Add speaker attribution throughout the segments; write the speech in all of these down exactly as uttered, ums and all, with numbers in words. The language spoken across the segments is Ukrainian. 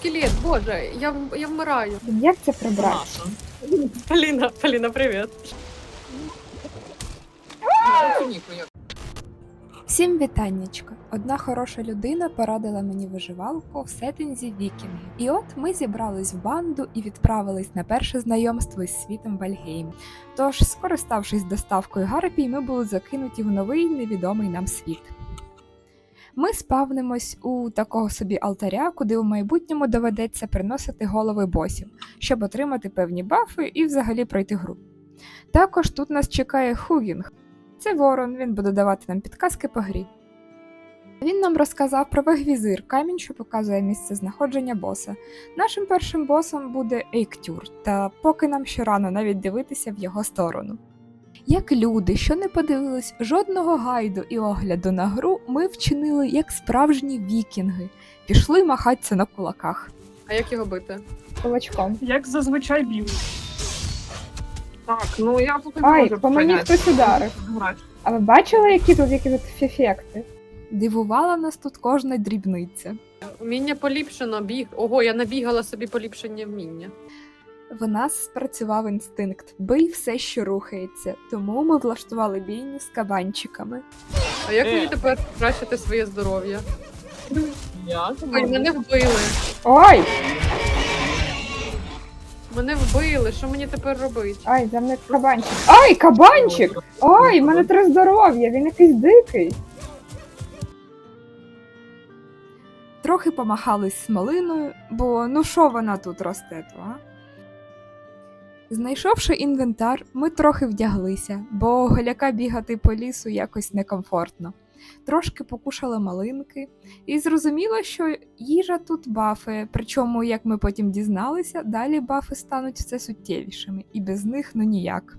Speaker 1: скелет, боже, я, в- я вмираю.
Speaker 2: Як це прибрати?
Speaker 3: Наша.
Speaker 1: Поліна, Поліна, привіт.
Speaker 4: Всім вітаннячка! Одна хороша людина порадила мені виживалку в сеттинзі вікінги. І от ми зібрались в банду і відправились на перше знайомство із світом Вальгейм. Тож, скориставшись доставкою гарпій, ми були закинуті в новий невідомий нам світ. Ми спавнимось у такого собі алтаря, куди у майбутньому доведеться приносити голови босів, щоб отримати певні бафи і взагалі пройти гру. Також тут нас чекає Хугінг. Це ворон, він буде давати нам підказки по грі. Він нам розказав про вегвізир, камінь, що показує місце знаходження боса. Нашим першим босом буде Ейктюр, та поки нам ще рано навіть дивитися в його сторону. Як люди, що не подивились жодного гайду і огляду на гру, ми вчинили як справжні вікінги. Пішли махатися на кулаках.
Speaker 1: А як його бити?
Speaker 2: Кулачком.
Speaker 3: Як зазвичай б'ють. Так, ну я поки не
Speaker 2: Ай,
Speaker 3: можу
Speaker 2: по мені
Speaker 3: поняти.
Speaker 2: хтось ударив.
Speaker 3: Грати.
Speaker 2: А ви бачили, які тут які тут ефекти?
Speaker 4: Дивувала нас тут кожна дрібниця.
Speaker 1: Вміння поліпшено, біг. Ого, я набігала собі поліпшення вміння.
Speaker 4: В нас спрацював інстинкт «бий все, що рухається», тому ми влаштували бійню з кабанчиками.
Speaker 1: А як
Speaker 3: Е.
Speaker 1: мені тепер покращити своє здоров'я?
Speaker 3: Я
Speaker 1: Ой, мене вбили.
Speaker 2: Ой!
Speaker 1: Мене вбили. Що мені тепер робити?
Speaker 2: Ай, за мною кабанчик. Ай, кабанчик! Ой, в мене три здоров'я, він якийсь дикий.
Speaker 4: Трохи помахались смолиною, бо ну що вона тут росте, то, а? Знайшовши інвентар, ми трохи вдяглися, бо голяка бігати по лісу якось некомфортно. Трошки покушали малинки, і зрозуміло, що їжа тут бафи, причому, як ми потім дізналися, далі бафи стануть все суттєвішими, і без них ну ніяк.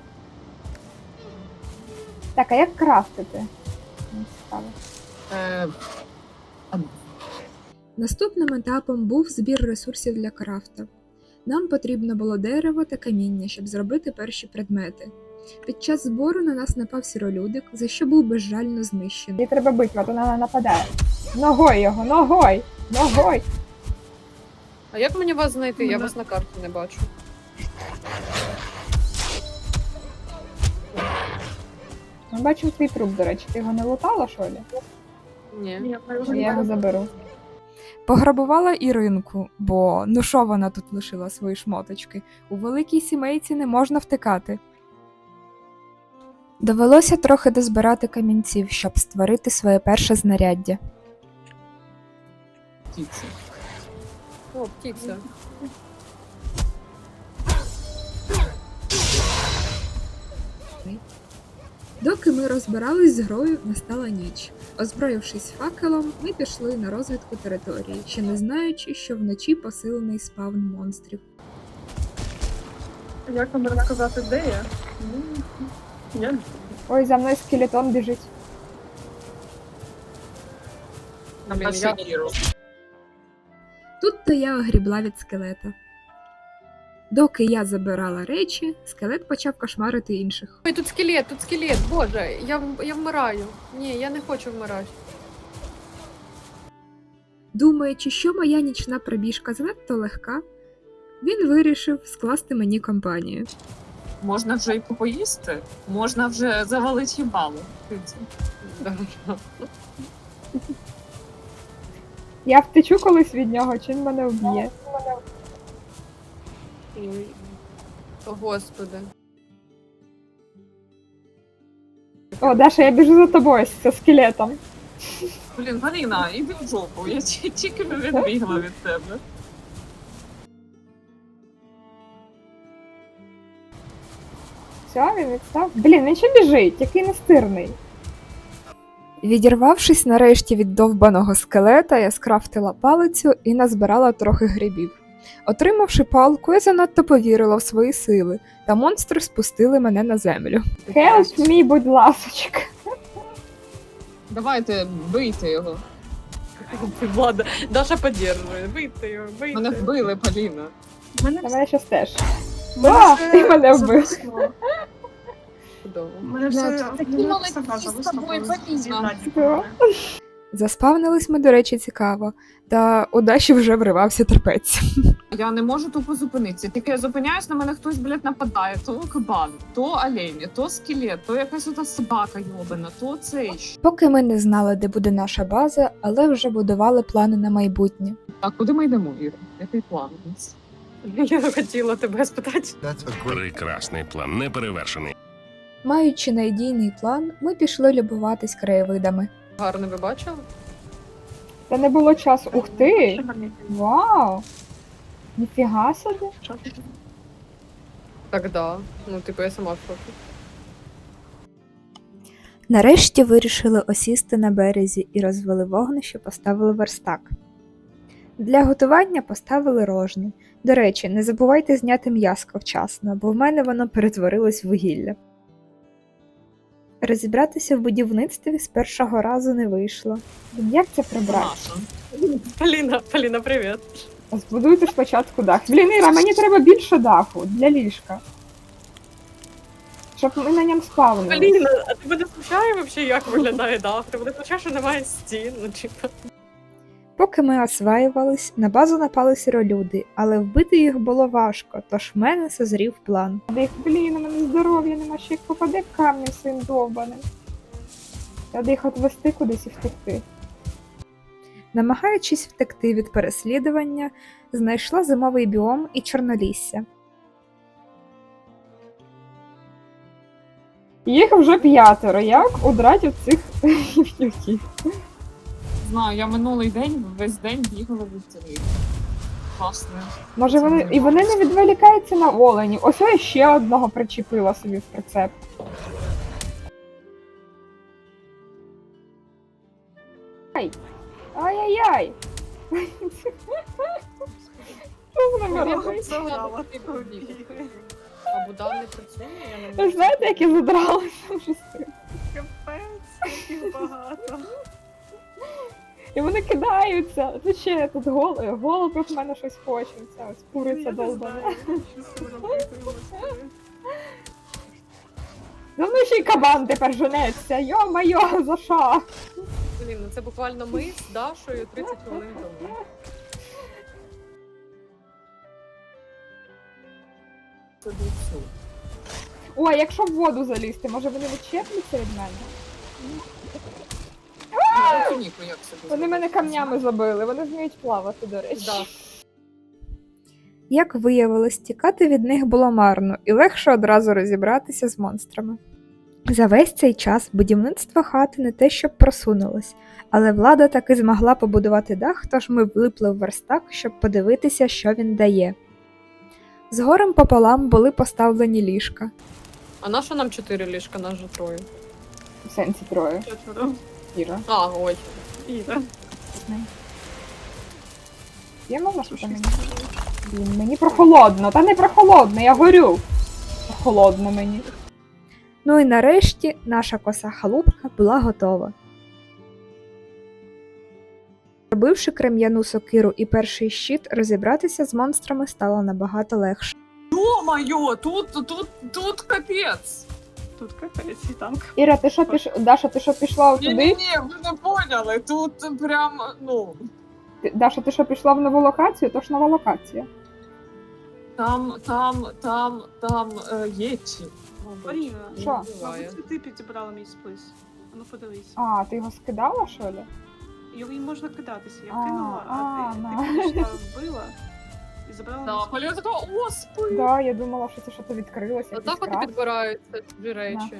Speaker 2: Так, а як крафтити? Мені цікаво.
Speaker 3: Е,
Speaker 4: Наступним етапом був збір ресурсів для крафта. Нам потрібно було дерево та каміння, щоб зробити перші предмети. Під час збору на нас напав сіролюдик, за що був безжально знищений.
Speaker 2: Її треба бити, а то вона нападає. Ногой його, ногой! Ногой!
Speaker 1: А як мені вас знайти? Я
Speaker 3: Ну,
Speaker 1: вас на карті не бачу.
Speaker 2: Ми бачимо твій труп, до речі. Ти його не лутала, що ли?
Speaker 1: Ні.
Speaker 3: ні, я вже
Speaker 2: Я його
Speaker 3: не
Speaker 2: заберу.
Speaker 4: Пограбувала Іринку, бо ну що вона тут лишила свої шмоточки? У великій сімейці не можна втикати. Довелося трохи дозбирати камінців, щоб створити своє перше знаряддя.
Speaker 3: птиці.
Speaker 1: О, птиця.
Speaker 4: Доки ми розбирались з грою, настала ніч. Озброївшись факелом, ми пішли на розвідку території, ще не знаючи, що вночі посилений спавн монстрів.
Speaker 3: Як вам розказати, де я? Ну, я
Speaker 2: Ой, за мною скелетон біжить.
Speaker 3: на
Speaker 1: Блін,
Speaker 3: перший
Speaker 1: я-
Speaker 3: гіру.
Speaker 4: Тут-то я огрібла від скелета. Доки я забирала речі, скелет почав кошмарити інших.
Speaker 1: Ой, тут скелет, тут скелет, боже, я, в- я вмираю. Ні, я не хочу вмирати.
Speaker 4: Думаючи, що моя нічна пробіжка занадто легка, він вирішив скласти мені компанію.
Speaker 3: Можна вже і поїсти, можна вже завалити їбало. птиці.
Speaker 1: Да.
Speaker 2: Я втечу колись від нього, чи він мене вб'є.
Speaker 1: Ой. О, Господи.
Speaker 2: О, Даша, я біжу за тобою з скелетом.
Speaker 3: Блін, Маріна, іди в жопу, я ті- тільки відбігла від тебе.
Speaker 2: Все, він відстав. Блін, він ще біжить, який настирний.
Speaker 4: Відірвавшись нарешті від довбаного скелета, я скрафтила палицю і назбирала трохи грибів. Отримавши палку, я занадто повірила в свої сили, та монстри спустили мене на землю.
Speaker 2: Help me, будь ласочка.
Speaker 3: Давайте, бийте його.
Speaker 1: Влада, Даша підтримує. Бийте його, бийте.
Speaker 3: Мене вбили, Поліна. Мене
Speaker 2: Та мене щас теж.
Speaker 3: мене
Speaker 2: А,
Speaker 3: все
Speaker 2: ти мене вбив.
Speaker 3: зависло.
Speaker 1: Чудово.
Speaker 3: Мене все
Speaker 5: Такі
Speaker 3: мене
Speaker 5: молодці
Speaker 3: все
Speaker 5: з
Speaker 3: зависло,
Speaker 5: тобою,
Speaker 3: коли
Speaker 5: Поліна.
Speaker 3: з'їдають
Speaker 2: Да.
Speaker 3: мене.
Speaker 4: Заспавнились ми, до речі, цікаво, та у Даші вже вривався терпець.
Speaker 3: Я не можу тупо зупинитися. Тільки я зупиняюсь, на мене хтось, блядь, нападає. То кабан, то олень, то скелет, то якась ота собака йобана, то цей.
Speaker 4: Поки ми не знали, де буде наша база, але вже будували плани на майбутнє.
Speaker 3: А куди ми йдемо, Віра? Який план у нас?
Speaker 1: Я хотіла тебе спитати.
Speaker 5: That's a great.
Speaker 6: Прекрасний план, неперевершений.
Speaker 4: Маючи надійний план, ми пішли любуватись краєвидами.
Speaker 1: Гарно ви бачили?
Speaker 2: Та не було часу. Ух ти! Вау! Ніфіга собі.
Speaker 1: Так, да. Ну, типу, я сама в шокі.
Speaker 4: Нарешті вирішили осісти на березі і розвели вогнище, поставили верстак. Для готування поставили рожни. До речі, не забувайте зняти м'яско вчасно, бо в мене воно перетворилось в вугілля. Розібратися в будівництві з першого разу не вийшло.
Speaker 2: Як це прибрати?
Speaker 3: Наша.
Speaker 1: Поліна, Поліна, привіт.
Speaker 2: Збудуйте спочатку дах. Блін, Іра, мені треба більше даху для ліжка. Щоб ми на ньому спавнили.
Speaker 1: Поліна, а тебе не смущає взагалі, як виглядає дах? Тебе не смущає, що немає стін? Ну, типу.
Speaker 4: Поки ми осваювались, на базу напали сіролюди, але вбити їх було важко, тож в мене созрів план.
Speaker 2: Де їх, блін, у мене здоров'я нема, ще їх попаде камнем своїм довбаним. Треба їх отвести кудись і втекти.
Speaker 4: Намагаючись втекти від переслідування, знайшла зимовий біом і чорнолісся.
Speaker 2: Їх вже п'ятеро. Як удрать від цих гівнюків?
Speaker 3: Знаю, я минулий день весь день бігала від цілий. Класно.
Speaker 2: Може вони. І вони не відволікаються на оленів. Ось я ще одного причепила собі в прицеп. Ай! Ай-яй-яй! Що з ними робити?
Speaker 1: А Будан не працює, я не
Speaker 2: Ви
Speaker 1: можу.
Speaker 2: ж знаєте, як я задралася вже з цим?
Speaker 7: Капець, яких багато.
Speaker 2: І вони кидаються. Тут ще тут гол... голуб в мене щось хоче. Ця ось куриця долбана.
Speaker 7: Що з цим робити, господи.
Speaker 2: За мною ще й кабан тепер женеться. Йо-майо, за що?
Speaker 1: Блін, ну це буквально ми з Дашою тридцять хвилин тому.
Speaker 3: Це до цього.
Speaker 2: О, а якщо в воду залізти, може вони відчепляться від мене?
Speaker 3: Ну, туніку як собі
Speaker 2: Вони мене камнями забили, вони вміють плавати, до речі.
Speaker 1: Да.
Speaker 4: Як виявилось, тікати від них було марно і легше одразу розібратися з монстрами. За весь цей час будівництво хати не те щоб просунулось, але влада таки змогла побудувати дах, тож ми влипли в верстак, щоб подивитися, що він дає. Згорем пополам були поставлені ліжка.
Speaker 1: А на що нам чотири ліжка, нас же троє?
Speaker 2: В сенсі троє.
Speaker 7: Четверо.
Speaker 2: Іра.
Speaker 1: А, ой.
Speaker 7: Іра.
Speaker 2: Є мама, що мені? Блін, мені прохолодно. Та не прохолодно, я горю. Прохолодно мені.
Speaker 4: Ну і нарешті наша коса халупка була готова. Зробивши крем'яну сокиру і перший щит, розібратися з монстрами стало набагато легше.
Speaker 3: Йо-моє, тут, тут, тут капець.
Speaker 7: Тут капець і танк.
Speaker 2: Іра, ти що піш... Даша, ти що пішла туди?
Speaker 3: Ні-ні-ні, ви не поняли, тут прям, ну,
Speaker 2: Ти- Даша, ти що пішла в нову локацію? То ж нова локація.
Speaker 3: там, там, там, там е, єчі.
Speaker 7: Маріна,
Speaker 2: Що?
Speaker 7: мабуть, це ти підібрала мій сплис. А ну подивись.
Speaker 2: А, ти його скидала, що ли?
Speaker 7: Його їм можна кидатися. Я
Speaker 2: А,
Speaker 7: кинула, а
Speaker 2: а,
Speaker 7: ти,
Speaker 2: на.
Speaker 7: ти підійшла, вбила і забрала
Speaker 3: Да,
Speaker 7: мій
Speaker 3: Поліна така, о, спи.
Speaker 2: Да, я думала, що це щось відкрилося.
Speaker 1: Отак
Speaker 2: якийсь
Speaker 1: от і
Speaker 2: крас.
Speaker 1: підбираються ці речі.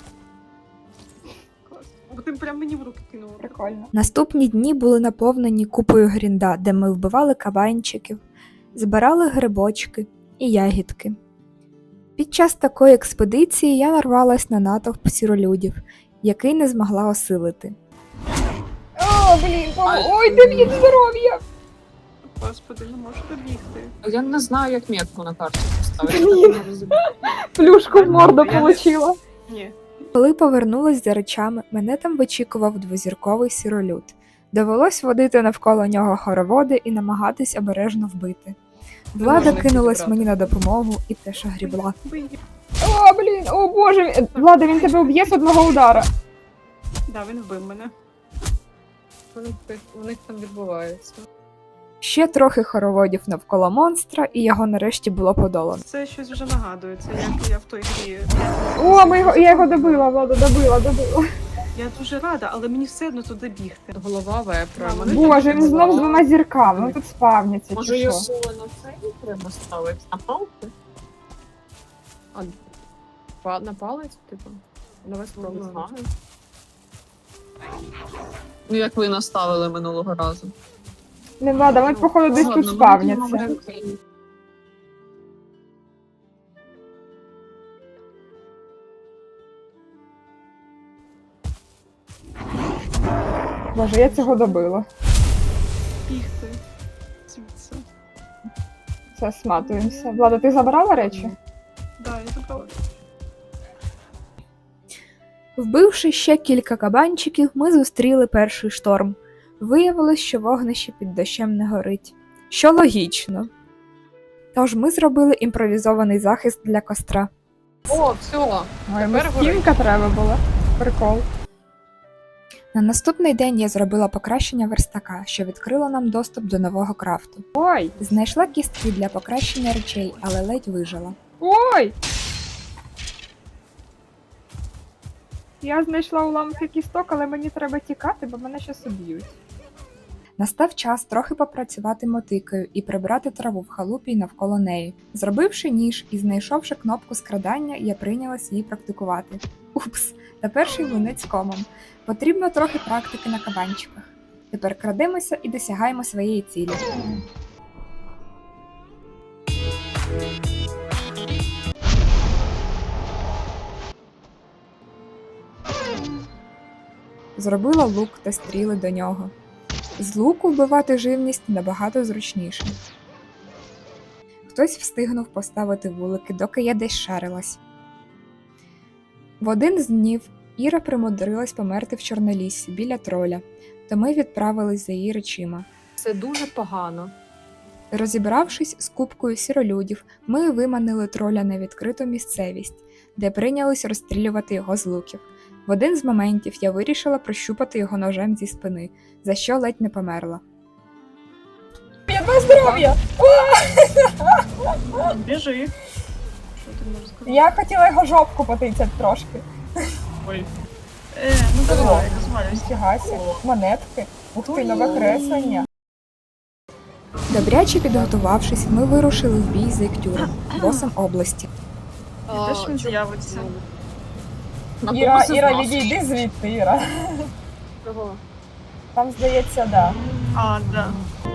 Speaker 7: клас. Бо ти прям мені в руки кинула.
Speaker 2: Прикольно.
Speaker 4: Наступні дні були наповнені купою грінда, де ми вбивали кабанчиків, збирали грибочки і ягідки. Під час такої експедиції я нарвалась на натовп сіролюдів, який не змогла осилити.
Speaker 2: О, блін, о,
Speaker 3: Ай.
Speaker 2: ой, де мені здоров'я!
Speaker 7: Господи, не можу добігти.
Speaker 3: Я не знаю, як метку на карті поставити.
Speaker 2: Блін.
Speaker 3: я так не розумію.
Speaker 2: Плюшку в морду
Speaker 7: Я не-
Speaker 2: получила.
Speaker 7: Ні.
Speaker 4: Коли повернулась за речами, мене там вичікував двозірковий сіролюд. Довелось водити навколо нього хороводи і намагатись обережно вбити. Влада
Speaker 1: можна їх
Speaker 4: кинулась
Speaker 1: підібрати.
Speaker 4: мені на допомогу і теж грібла.
Speaker 7: Бий її.
Speaker 2: О, блін, о боже, він- Влада, він тебе вб'є з одного удара.
Speaker 7: Да, він вбив мене.
Speaker 1: що у них, у них там відбувається.
Speaker 4: Ще трохи хороводів навколо монстра, і його нарешті було подолано.
Speaker 7: Це щось вже нагадує. Це як я в той грі.
Speaker 2: О, ми його, я його добила, Влада, добила, добила.
Speaker 7: Я дуже рада, але мені все одно туди бігти.
Speaker 1: Голова вепра.
Speaker 7: Да,
Speaker 1: мене
Speaker 2: Боже,
Speaker 1: так
Speaker 2: він знов з
Speaker 1: голова.
Speaker 2: двома зірками, вони тут спавняться,
Speaker 3: Може
Speaker 2: чи що?
Speaker 3: його на цей треба ставити? На палки?
Speaker 1: А, па- на палець, типу? Давай
Speaker 3: Не
Speaker 1: спробуємо.
Speaker 3: знаю. Ну, як ви наставили минулого разу.
Speaker 2: Не Влада, ми походу десь
Speaker 3: Ладно,
Speaker 2: тут
Speaker 3: ми
Speaker 2: спавняться.
Speaker 3: будемо-
Speaker 2: Боже, я цього добила.
Speaker 7: Бігти. Звідси.
Speaker 2: Все, сматуємося. Влада, ти забрала речі?
Speaker 7: Да, я забрала.
Speaker 4: Вбивши ще кілька кабанчиків, ми зустріли перший шторм. Виявилось, що вогнище під дощем не горить. Що логічно. Тож ми зробили імпровізований захист для костра.
Speaker 1: О, все.
Speaker 2: Ой,
Speaker 1: Тепер горить.
Speaker 2: стінка треба була. Прикол.
Speaker 4: На наступний день я зробила покращення верстака, що відкрило нам доступ до нового крафту.
Speaker 2: Ой!
Speaker 4: Знайшла кістки для покращення речей, але ледь вижила.
Speaker 2: Ой! Я знайшла уламки кісток, але мені треба тікати, бо мене щас уб'ють.
Speaker 4: Настав час трохи попрацювати мотикою і прибрати траву в халупі й навколо неї. Зробивши ніж і знайшовши кнопку скрадання, я прийнялась її практикувати. Упс, та перший млинець комом. Потрібно трохи практики на кабанчиках. Тепер крадемося і досягаємо своєї цілі. Зробила лук та стріли до нього. З луку вбивати живність набагато зручніше. Хтось встигнув поставити вулики, доки я десь шарилась. В один з днів Іра примудрилась померти в Чорноліссі біля троля, то ми відправились за її речима.
Speaker 1: Це дуже погано.
Speaker 4: Розібравшись з купкою сіролюдів, ми виманили троля на відкриту місцевість, де прийнялись розстрілювати його з луків. В один з моментів я вирішила прощупати його ножем зі спини, за що ледь не померла.
Speaker 2: Ядно здоров'я!
Speaker 7: Біжи. Що ти можеш сказати?
Speaker 2: Я хотіла його жопку потицяти трошки.
Speaker 7: Ой. Е, ну давай, розвалюйся.
Speaker 2: Фігасі, монетки. Ух ти, нове креслення.
Speaker 4: Добряче підготувавшись, ми вирушили в бій з Іктюром, босом області.
Speaker 1: А,
Speaker 7: Де ж він
Speaker 1: чому-
Speaker 7: з'явиться?
Speaker 3: На
Speaker 2: Іра,
Speaker 3: когось із
Speaker 2: Іра,
Speaker 3: нас.
Speaker 2: відійди звідти, Іра.
Speaker 1: Чого?
Speaker 2: Там, здається, да.
Speaker 7: А, да.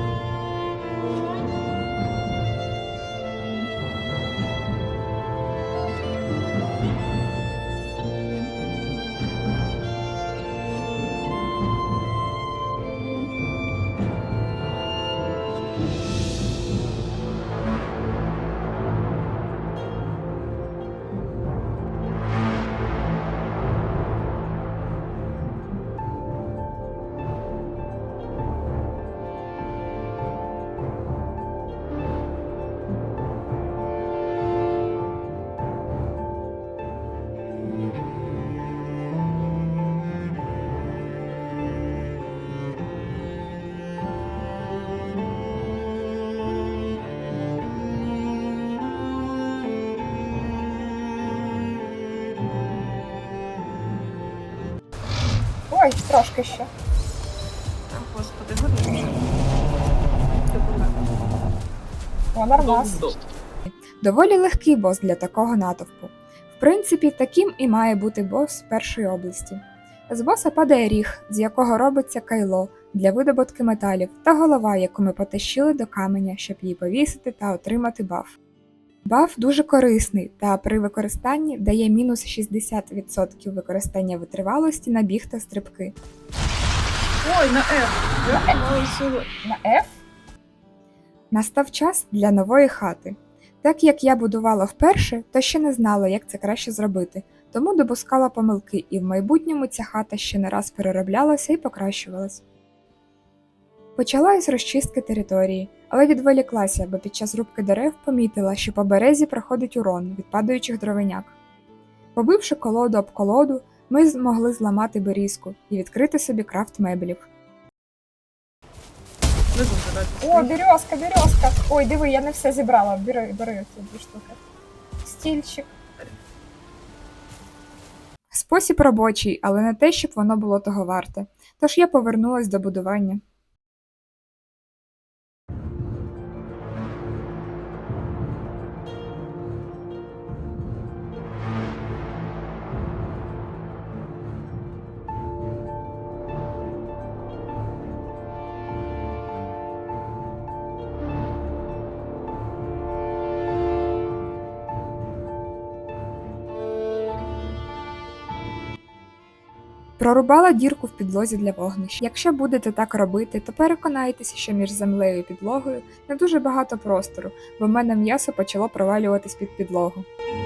Speaker 2: Ой, трошки ще.
Speaker 7: О, господи, горить.
Speaker 1: Це помер.
Speaker 2: О, нормас.
Speaker 3: Доб-доб.
Speaker 4: Доволі легкий бос для такого натовпу. В принципі, таким і має бути бос першої області. З боса падає ріг, з якого робиться кайло для видобутки металів, та голова, яку ми потащили до каменя, щоб її повісити та отримати баф. Баф дуже корисний та при використанні дає мінус шістдесят відсотків використання витривалості на біг та стрибки.
Speaker 7: Ой, на F. Я мала силу.
Speaker 2: На F?
Speaker 4: Настав час для нової хати. Так як я будувала вперше, то ще не знала, як це краще зробити, тому допускала помилки, і в майбутньому ця хата ще не раз перероблялася і покращувалась. Почала із розчистки території, але відволіклася, бо під час рубки дерев помітила, що по березі проходить урон від падаючих дровиняк. Побивши колоду об колоду, ми змогли зламати берізку і відкрити собі крафт меблів.
Speaker 7: Внизу живе.
Speaker 2: О, березка, березка. Ой, диви, я не все зібрала. Бери, бери ці дві штуки. Стільчик.
Speaker 4: Спосіб робочий, але не те, щоб воно було того варте. Тож я повернулась до будування. Прорубала дірку в підлозі для вогнища. Якщо будете так робити, то переконайтеся, що між землею і підлогою не дуже багато простору, бо в мене м'ясо почало провалюватись під підлогу.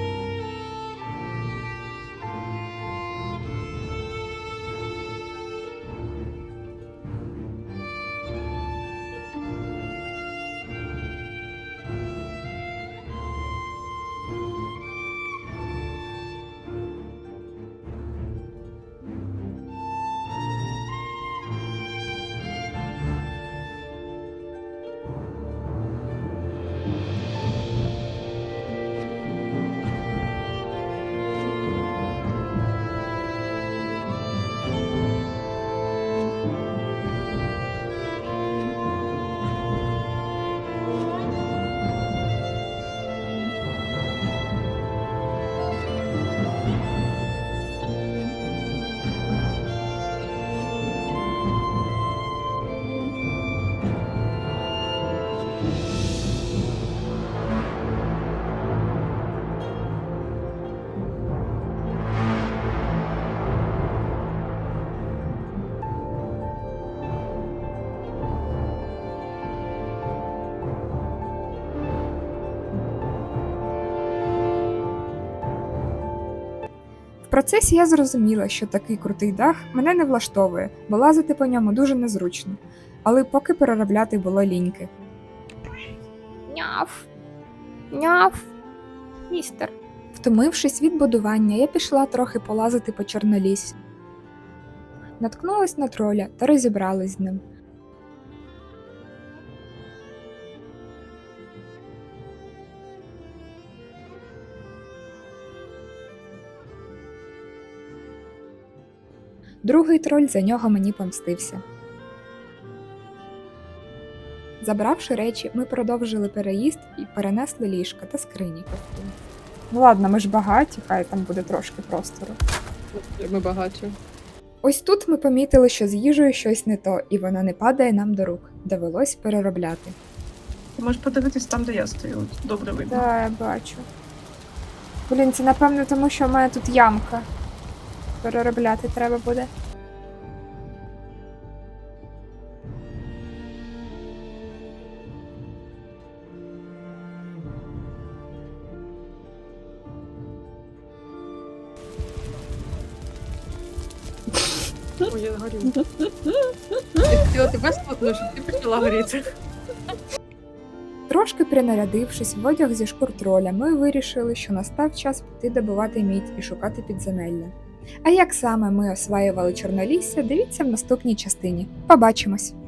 Speaker 4: В процесі я зрозуміла, що такий крутий дах мене не влаштовує, бо лазити по ньому дуже незручно, але поки переробляти було ліньки.
Speaker 2: Няв. Няв. Містер.
Speaker 4: Втомившись від будування, я пішла трохи полазити по Чорноліссю. Наткнулась на троля та розібралась з ним. Другий троль за нього мені помстився. Забравши речі, ми продовжили переїзд і перенесли ліжка та скрині.
Speaker 2: Ну ладно, ми ж багаті, хай там буде трошки простору.
Speaker 1: Ми багаті.
Speaker 4: Ось тут ми помітили, що з їжею щось не то, і вона не падає нам до рук. Довелось переробляти.
Speaker 7: Ти можеш подивитись там, де я стою. От добре видно.
Speaker 2: Да, я бачу. Блін, це напевно тому, що в мене тут ямка. Переробляти треба буде.
Speaker 1: Ой, я горю. Я хотіла тебе спотну, щоб ти почала горіти.
Speaker 4: Трошки принарядившись в одяг зі шкур троля, ми вирішили, що настав час піти добувати мідь і шукати підземелля. А як саме ми осваювали Чорнолісся, дивіться в наступній частині. Побачимось!